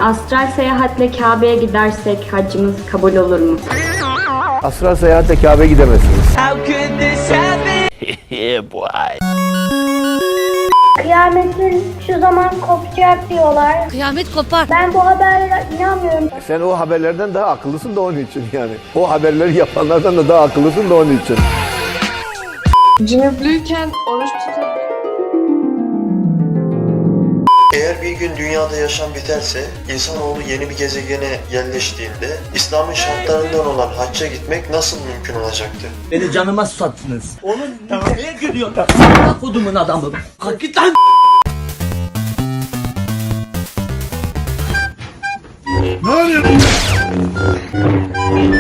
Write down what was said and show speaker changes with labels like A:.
A: Astral seyahatle Kabe'ye gidersek haccımız kabul olur mu?
B: Astral seyahatle Kabe'ye gidemezsiniz.
C: Kıyametin şu zaman kopacak diyorlar.
D: Kıyamet kopar.
C: Ben bu haberlere inanmıyorum.
B: Sen o haberlerden daha akıllısın da onun için yani. O haberleri yapanlardan da daha akıllısın da onun için.
E: Cünüplüyken oruç tutabilir.
F: Eğer bir gün dünyada yaşam biterse, insanoğlu yeni bir gezegene yerleştiğinde İslam'ın şartlarından olan hacca gitmek nasıl mümkün olacaktı?
G: Beni canıma susattınız. Oğlum neye gülüyorsun? Bak kodumun adamı. Kalk git lan.
B: Ne oluyor?